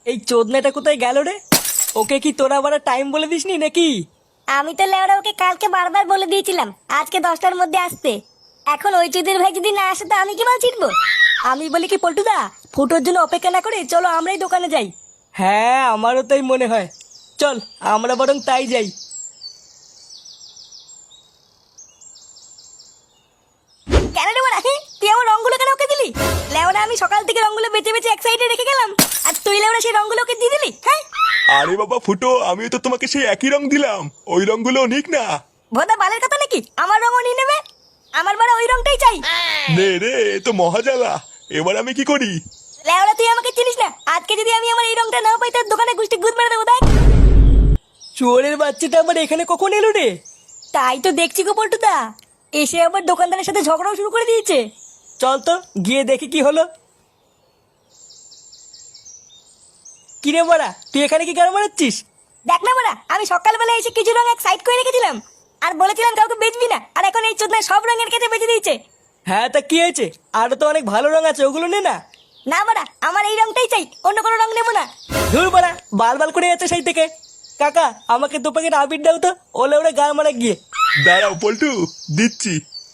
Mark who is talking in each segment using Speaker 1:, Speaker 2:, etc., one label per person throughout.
Speaker 1: এই চোদনাটা কোথায় গেল রে? ওকে কি তোরা আবার টাইম বলে দিসনি নাকি?
Speaker 2: আমি তো লেওরা ওকে কালকে বারবার বলে দিয়েছিলাম আজকে 10টার মধ্যে আসতে। এখন ওই চুদির ভাই যদি না আসে তো আমি কি মাল ছিটবো?
Speaker 1: আমি বলি কি পল্টুদা, ফুটোর জন্য অপেক্ষা না করে চলো আমরাই দোকানে যাই। হ্যাঁ আমারও তাই মনে হয়, চল আমরা বরং তাই যাই।
Speaker 2: কেন রে বড়া, তুই আমার রঙগুলো কেন ওকে দিলি? লেওরা আমি সকাল থেকে রঙগুলো বেঁচে বেঁচে এক সাইডে রেখে গেলাম, আর তুই লেওরা সেই রঙগুলো ওকে দিয়ে দিলি? হ্যাঁ
Speaker 3: আরে বাবা ফুটো, আমিও তো তোমাকে সেই একই রং দিলাম, ওই রংগুলো নিক না।
Speaker 2: ভোদা বালের কথা নাকি আমার রঙও নিয়ে নেবে? আমার বড় ওই রঙটাই চাই।
Speaker 3: নে রে, এ তো মহাজালা, এবার আমি কি করি?
Speaker 2: লেওরা তুই আমাকে চিনিস না, আজকে যদি আমি আমার এই রঙটা না পাই তোর দোকানে গুষ্টি গুদ মেরে দেবো দেখ।
Speaker 1: চোরের বাচ্চাটা আবার এখানে কখন এলো রে?
Speaker 2: তাই তো দেখছি গো পল্টুদা, এসে আবার দোকানদারের সাথে ঝগড়াও শুরু করে দিয়েছে।
Speaker 1: চল তো গিয়ে দেখি কি হলো। কিরে বড়া, তুই এখানে কি গান মারাচ্ছিস?
Speaker 2: দেখ না বড়া, আমি সকালবেলা এসে কিছু রং এক সাইড করে রেখেছিলাম আর বলেছিলাম কাউকে বেচবি না, আর এখন এই চোদনা সব রঙের কেটে বেঁচে দিয়েছে।
Speaker 1: হ্যাঁ তা কি হয়েছে, আরো তো অনেক ভালো রং আছে, ওগুলো নে না।
Speaker 2: না বড়া, আমার এই রংটাই চাই, অন্য কোনো রং নেবো না।
Speaker 1: ধুর বড়া, বাল বাল করে যাচ্ছে সেই থেকে। কাকা আমাকে 2 প্যাকেট আবির দাও তো, ওলে ওরে গান মারা গিয়ে।
Speaker 3: দাঁড়াও পল্টু, দিচ্ছি।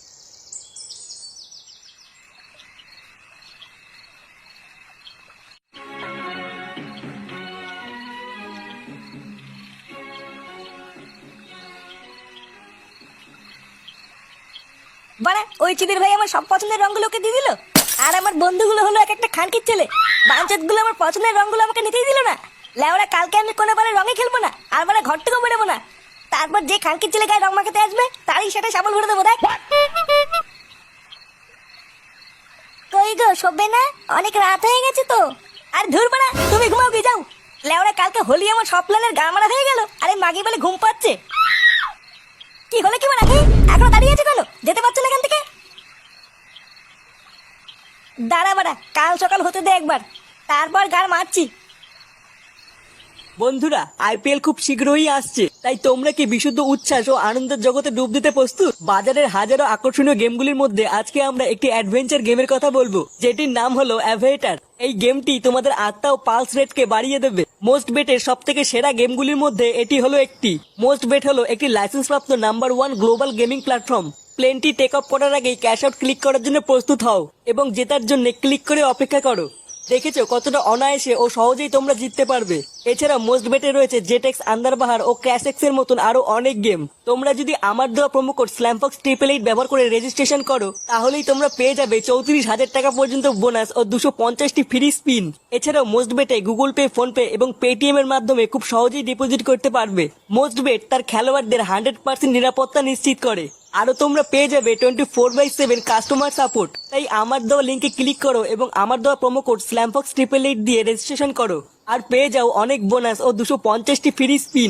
Speaker 2: বড়া ওই চিদির ভাই আমার সব পছন্দের রঙগুলোকে দিয়ে দিল, আর আমার বন্ধুগুলো হলো এক একটা খানকির ছেলে। বাঞ্চত গুলো আমার পছন্দের রঙগুলো আমাকে নিতেই দিল না। লেওরা কালকে আমি কোনো বারে রঙে খেলবো না, আর বারে ঘর থেকেও বেরোবো না। তারপর যে খানকির ছেলে গায়ে রং মাখাতে আসবে তারই সেটা সাবল ভরে দেবো দেখ। কই গো শোবে না? অনেক রাত হয়ে গেছে তো। আর ধুর বড়া, তুমি ঘুমাও গিয়ে যাও। লেওরা কালকে হোলি আমার সব প্ল্যানের গা মারা হয়ে গেল, আরে মাগি বলে ঘুম পাচ্ছে। কি হলো কি বড়া, এখনো দাঁড়িয়ে আছে কেন? যেতে পারছো না এখান থেকে? দাঁড়া বাড়া, কাল সকাল হতে দে একবার, তারপর গান মারছি।
Speaker 1: বন্ধুরা আইপিএল খুব শীঘ্রই আসছে, তাই তোমরা কি বিশুদ্ধ উচ্ছ্বাস ও আনন্দের জগতে ডুব দিতে প্রস্তুত? বাজারের হাজারো আকর্ষণীয় গেমগুলির মধ্যে আজকে আমরা একটি অ্যাডভেঞ্চার গেমের কথা বলবো, যেটির নাম হলো অ্যাভেটার। এই গেমটি তোমাদের আত্মা ও পালস রেটকে বাড়িয়ে দেবে। মোস্ট বেটের সব থেকে সেরা গেমগুলির মধ্যে এটি হলো একটি। মোস্ট বেট হলো একটি লাইসেন্সপ্রাপ্ত নাম্বার 1 গ্লোবাল গেমিং প্ল্যাটফর্ম। প্লেনটি টেক অফ করার আগেই ক্যাশ আউট ক্লিক করার জন্য প্রস্তুত হও এবং জেতার জন্য ক্লিক করে অপেক্ষা করো। দেখেছো কতটা অনায়াসে ও সহজেই তোমরা জিততে পারবে। এছাড়া মোস্ট বেটে রয়েছে জেটেক্স, আন্দারবাহার ও ক্র্যাশেক্স এর মতন আরো অনেক গেম। তোমরা যদি আমার দেওয়া প্রোমো কোড স্ল্যামফক্স 888 ব্যবহার করে রেজিস্ট্রেশন করো, তাহলেই তোমরা পেয়ে যাবে 34,000 টাকা পর্যন্ত বোনাস ও 250টি ফ্রি স্পিন। এছাড়াও মোস্ট বেটে গুগল পে, ফোন পে এবং পেটিএম এর মাধ্যমে খুব সহজেই ডিপোজিট করতে পারবে। মোস্ট বেট তার খেলোয়াড়দের 100% নিরাপত্তা নিশ্চিত করে। আরো তোমরা পেয়ে যাবে 24/7 কাস্টমার সাপোর্ট। তাই আমার দেওয়া লিঙ্কে ক্লিক করো এবং আমার দেওয়া প্রোমো কোড স্ল্যামফক্স 888 দিয়ে রেজিস্ট্রেশন করো আর পেয়ে যাও অনেক বোনাস ও 250টি ফ্রি স্পিন।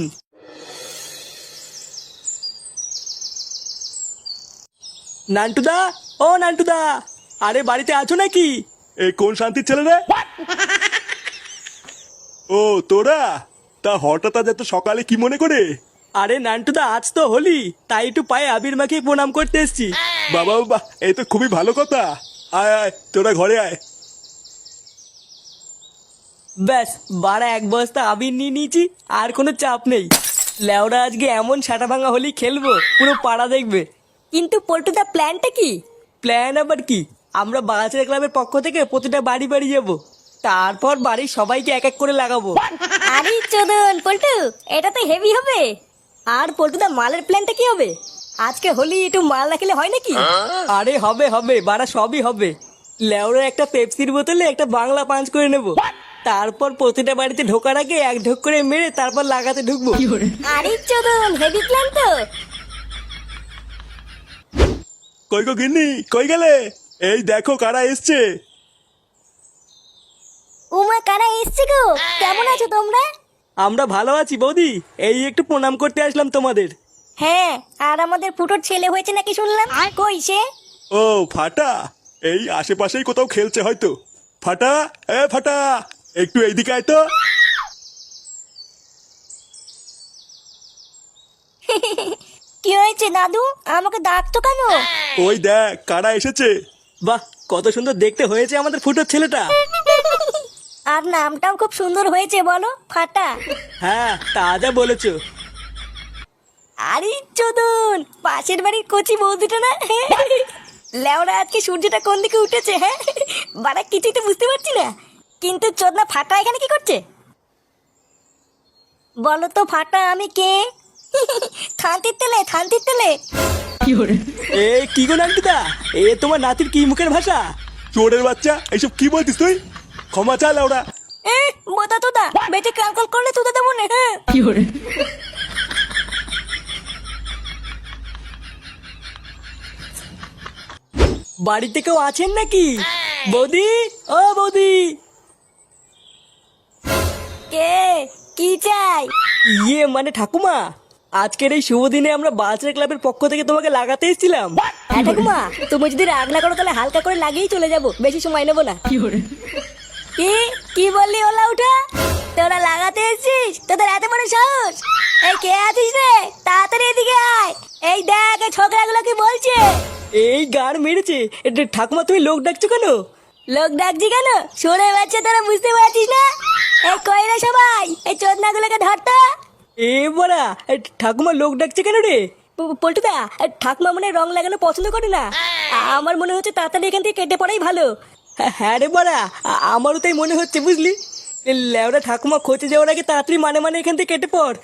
Speaker 1: নান্টুদা, ও নান্টুদা, আরে বাড়িতে আছো নাকি?
Speaker 3: এই কোন শান্তির ছেলে রে? ও তোরা, তা হঠাৎ আজ এত সকালে কি মনে করে?
Speaker 1: আরে নান্টুদা আজ তো হোলি, তাই একটু পায়ে আবির মাখিয়ে প্রণাম করতে এসেছি।
Speaker 3: বাবা বাবা, এই তো খুবই ভালো কথা। আয় আয়, তোরা ঘরে আয়।
Speaker 1: ব্যাস বাড়া 1 বস্তা আবির নিয়ে নিয়েছি, আর কোনো চাপ নেই। লেওরা আজকে এমন সাটা ভাঙা হোলি খেলবো পুরো পাড়া দেখবে।
Speaker 2: কিন্তু পল্টুদা প্ল্যানটা কি?
Speaker 1: প্ল্যান আবার কি, আমরা বাগাছের ক্লাবের পক্ষ থেকে প্রতিটা বাড়ি বাড়ি যাব, তারপর বাড়ির সবাইকে এক এক করে লাগাবো।
Speaker 2: আরে চোদন পল্টু, এটা তো হেভি হবে। আর পল্টুদা মালের প্ল্যানটা কি হবে? আজকে হোলি একটু মাল না খেলে হয় নাকি?
Speaker 1: আরে হবে হবে বাড়া, সবই হবে। লেওরা একটা পেপসির বোতলে একটা বাংলা পাঞ্চ করে নেব, তারপর প্রতিটা বাড়িতে ঢোকার আগে এক ঢোক করে মেরে তারপর লাগাতে ঢুকবো।
Speaker 2: আরে চোদন হেভি প্ল্যান তো।
Speaker 3: কই গো গিন্নি, কই গেলে? এই দেখো কারা এসছে।
Speaker 2: উমা কারা এসছে গো? কেমন আছো তোমরা?
Speaker 1: আমরা ভালো আছি বৌদি, এই একটু প্রণাম করতে আসলাম তোমাদের।
Speaker 2: হ্যাঁ, আর আমাদের ফুটোর ছেলে হয়েছে নাকি শুনলাম, কই সে?
Speaker 3: ও ফাটা, এই আশেপাশেই কোথাও খেলছে হয়তো। ফাটা, এ ফাটা, একটু এইদিকে আয় তো।
Speaker 2: কি হয়েছে দাদু, আমাকে ডাকতো কেন?
Speaker 3: ওই দেখ কারা এসেছে।
Speaker 1: বাহ কত সুন্দর দেখতে হয়েছে আমাদের ফুটোর ছেলেটা।
Speaker 2: আর নামটাও খুব সুন্দর হয়েছে বলো, ফাটা।
Speaker 1: হ্যাঁ তা যা বলেছো।
Speaker 2: আরে চোদন, পাশের বাড়ির কচি বৌদিটা না? লেওরা আজকে সূর্যটা কোন দিকে উঠেছে, হ্যাঁ বাড়া কিছুই তো বুঝতে পারছি না। কিন্তু চোদনা ফাটা এখানে কি করছে বলো তো ফাটা? আমি কে? থানতির তেলে, থানতির তেলে।
Speaker 1: এ কি গো নান্টুদা, এ তোমার নাতির কি মুখের ভাষা?
Speaker 3: চোরের বাচ্চা, এইসব কি বলছিস তুই? ক্ষমা চা লেওড়া।
Speaker 2: এ বোতা তোদা, বেঁচে কালকল করলে তোদা দেবো না, হ্যাঁ।
Speaker 1: বাড়িতে কেউ আছেন নাকি? বৌদি, ও বৌদি।
Speaker 2: কে? কি চাই?
Speaker 1: ইয়ে মানে ঠাকুমা, আজকের এই শুভ দিনে আমরা বালচার ক্লাবের পক্ষ থেকে তোমাকে লাগাতে এসেছিলাম।
Speaker 2: হ্যাঁ ঠাকুমা, তুমি যদি রাগ না করো তাহলে হালকা করে লাগিয়েই চলে যাবো, বেশি সময় নেবো না। কি কি বললি ওলা উঠা? তোরা লাগাতে এসেছিস? তোদের এত বড় সাহস? এই কে আছিস রে? তাড়াতাড়ি এদিকে আয়। এই দেখ এই ছোকরাগুলো কি বলছে।
Speaker 1: এই গান মেরেছে। ঠাকুমা তুমি লোক ডাকছো কেন?
Speaker 2: লোক ডাকছি কেন? শুনে বাচ্চা তোরা বুঝতে পারছিস না? এই কই রে সবাই, এই চোদনাগুলোকে ধরতো।
Speaker 1: এ বড়া, ঠাকুমা লোক ডাকছে কেন রে?
Speaker 2: পল্টুদা, ঠাকুমা মনে হয় রং লাগানো পছন্দ করে না। আমার মনে হচ্ছে তাড়াতাড়ি এখান থেকে কেটে পড়াই ভালো।
Speaker 1: হ্যাঁ রে বড়া, আমারও তাই মনে হচ্ছে বুঝলি। লেওরা ঠাকুমা খোঁজে যাওয়ার আগে তাড়াতাড়ি মানে এখান থেকে কেটে পড়।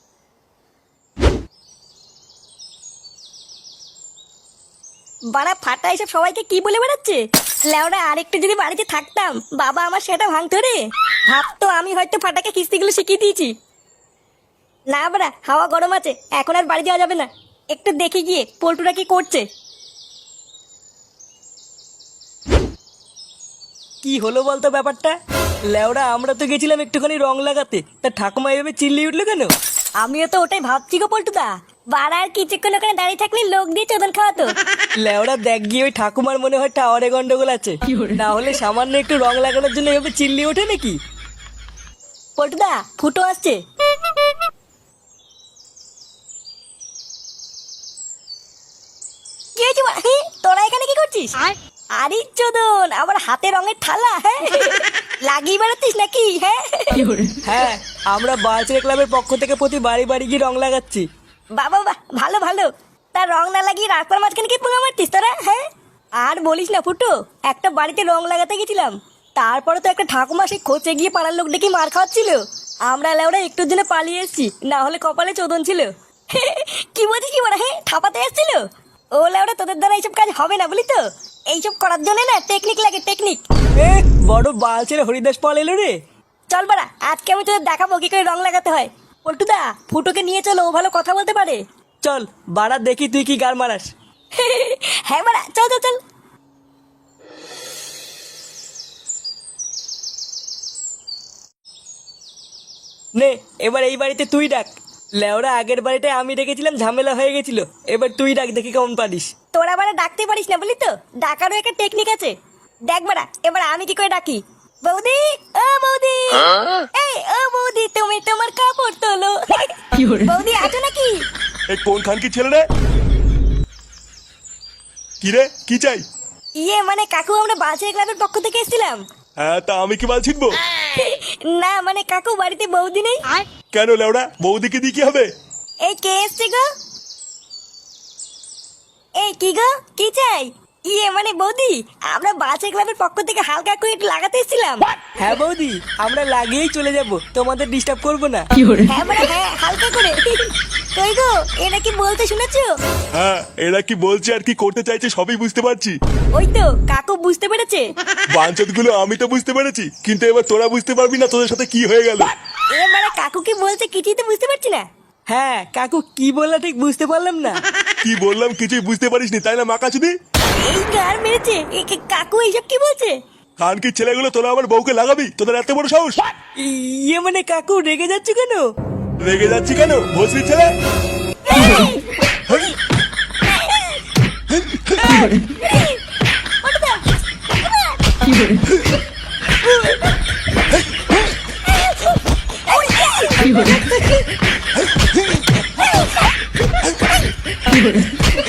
Speaker 2: বাড়া ফাটা এসব সবাইকে কি বলে বেড়াচ্ছে? লেওরা আরেকটু যদি বাড়িতে থাকতাম, বাবা আমার সেটা ভাঙতো রে। ভাবতো আমি হয়তো ফাটাকে কিস্তিগুলো শিখিয়ে দিয়েছি। না বাড়া, হাওয়া গরম আছে, এখন আর বাড়ি যাওয়া যাবে না। একটু দেখে গিয়ে পল্টুরা কি করছে।
Speaker 1: কি হলো বলতো ব্যাপারটা? লেওরা আমরা তো গেছিলাম একটুখানি রং লাগাতে, তা ঠাকুমা এভাবে চিল্লিয়ে উঠলো কেন?
Speaker 2: আমিও তো ওটাই ভাবছি গো পল্টুদা। বাড়া আর কিছুক্ষণ ওখানে দাঁড়িয়ে থাকলে লোক দিয়ে চোদন খাওয়াতো।
Speaker 1: লেওরা দেখ গিয়ে ওই ঠাকুমার মনে হয় টাওয়ারে গন্ডগোল আছে, না হলে সামান্য একটু রং লাগানোর জন্য এভাবে চিল্লিয়ে ওঠে নাকি?
Speaker 2: পল্টুদা, ফুটো আসছে। কি হয়েছে বাড়া? তোরা এখানে কি করছিস? আরে চোদন, আবার হাতে রঙের থালা, হ্যাঁ লাগিয়ে বেড়াচ্ছিস নাকি? হ্যাঁ
Speaker 1: হ্যাঁ, আমরা বালচার ক্লাবের পক্ষ থেকে প্রতি বাড়ি বাড়ি গিয়ে রং লাগাচ্ছি।
Speaker 2: বাবা বাহ, ভালো ভালো। তার রং না লাগিয়ে রাস্তার মাঝখানে কি পোঙা মারতিস তোরা? হ্যাঁ আর বলিস না ফুটো, একটা বাড়িতে রং লাগাতে গেছিলাম, তারপরে তো একটা ঠাকুমা সেই খোঁচে গিয়ে পাড়ার লোক ডেকে মার খাওয়াচ্ছিল। আমরা লেওরা একটুর জন্য পালিয়ে এসেছি, না হলে কপালে চোদন ছিল। কি বলছিস কি বড়? হ্যাঁ ঠাপাতে এসেছিল। ও লেওরা তোদের দ্বারা এইসব কাজ হবে না বলি তো। এইসব করার জন্য না টেকনিক লাগে, টেকনিক।
Speaker 1: এ বড় বালচের হরিদাস পাল এলো রে।
Speaker 2: চল বাড়া, আজকে আমি তোদের দেখাবো কি করে রং লাগাতে হয়। পল্টুদা, ফুটোকে নিয়ে চলো, ও ভালো কথা বলতে পারে।
Speaker 1: চল বাড়া দেখি তুই কি গার মারাস।
Speaker 2: হ্যাঁ বাড়া, চল চল চল।
Speaker 1: নে এবার এই বাড়িতে তুই ডাক। লেওরা আগের বাড়িটায় আমি ডেকেছিলাম, ঝামেলা হয়ে গেছিল, এবার তুই ডাক দেখি কেমন পারিস।
Speaker 2: তোরা বাড়া ডাকতে পারিস না বলি তো, ডাকারও একটা টেকনিক আছে। দেখ বাড়া, এবার আমি কি করে ডাকি। বৌদি, ও বৌদি, এই ও বৌদি, তুমি তোমার কাপড় তোলো। বৌদি আছো নাকি?
Speaker 3: এই কোন খান কি ছেলে রে? কি রে, কি চাই?
Speaker 2: ইয়ে মানে কাকু, আমরা বালচার ক্লাবের পক্ষ থেকে এসেছিলাম।
Speaker 3: হ্যাঁ তা আমি কি বাল ছিটবো?
Speaker 2: না মানে কাকু, বাড়িতে বৌদি নেই।
Speaker 3: কেন লেওড়া, বৌদিকে দিয়ে কি হবে?
Speaker 2: এই কে এসছে গো? এই কি গো, কি চাই? ইয়ে মানে বৌদি, আমরা বালচার ক্লাবের পক্ষ থেকে হালকা করে একটু লাগাতে এসেছিলাম।
Speaker 1: হ্যাঁ বৌদি, আমরা লাগিয়েই চলে যাব, তোমাদের ডিস্টার্ব করবো না।
Speaker 2: হ্যাঁ মানে হ্যাঁ, হালকা করে। কই গো, এটা কি বলতে শুনেছো?
Speaker 3: হ্যাঁ, এরা কি বলছে আর কি করতে চাইছে সবই বুঝতে পারছি।
Speaker 2: ওই তো কাকু বুঝতে পেরেছে।
Speaker 3: বাঞ্চত গুলো আমি তো বুঝতে পেরেছি, কিন্তু এবার তোরা বুঝতে পারবি না তোদের সাথে কি হয়ে গেল।
Speaker 2: এবারে কাকু কি বলছে কিছুই তো বুঝতে পারছি না।
Speaker 1: হ্যাঁ কাকু কি বললা ঠিক বুঝতে পারলাম না।
Speaker 3: কি বললাম কিছুই বুঝতে পারিসনি তাই না মাকাচুদি?
Speaker 2: এই গার মেরেছে, কাকু এইসব কি বলছে?
Speaker 3: খান কি ছেলেগুলো তোরা আমার বউকে লাগাবি? তোদের এত বড় সাহস?
Speaker 1: ইয়ে মানে কাকু রেগে যাচ্ছে কেন?
Speaker 3: রেগে যাচ্ছি কেন, ভোসরি ছেলে?
Speaker 2: কি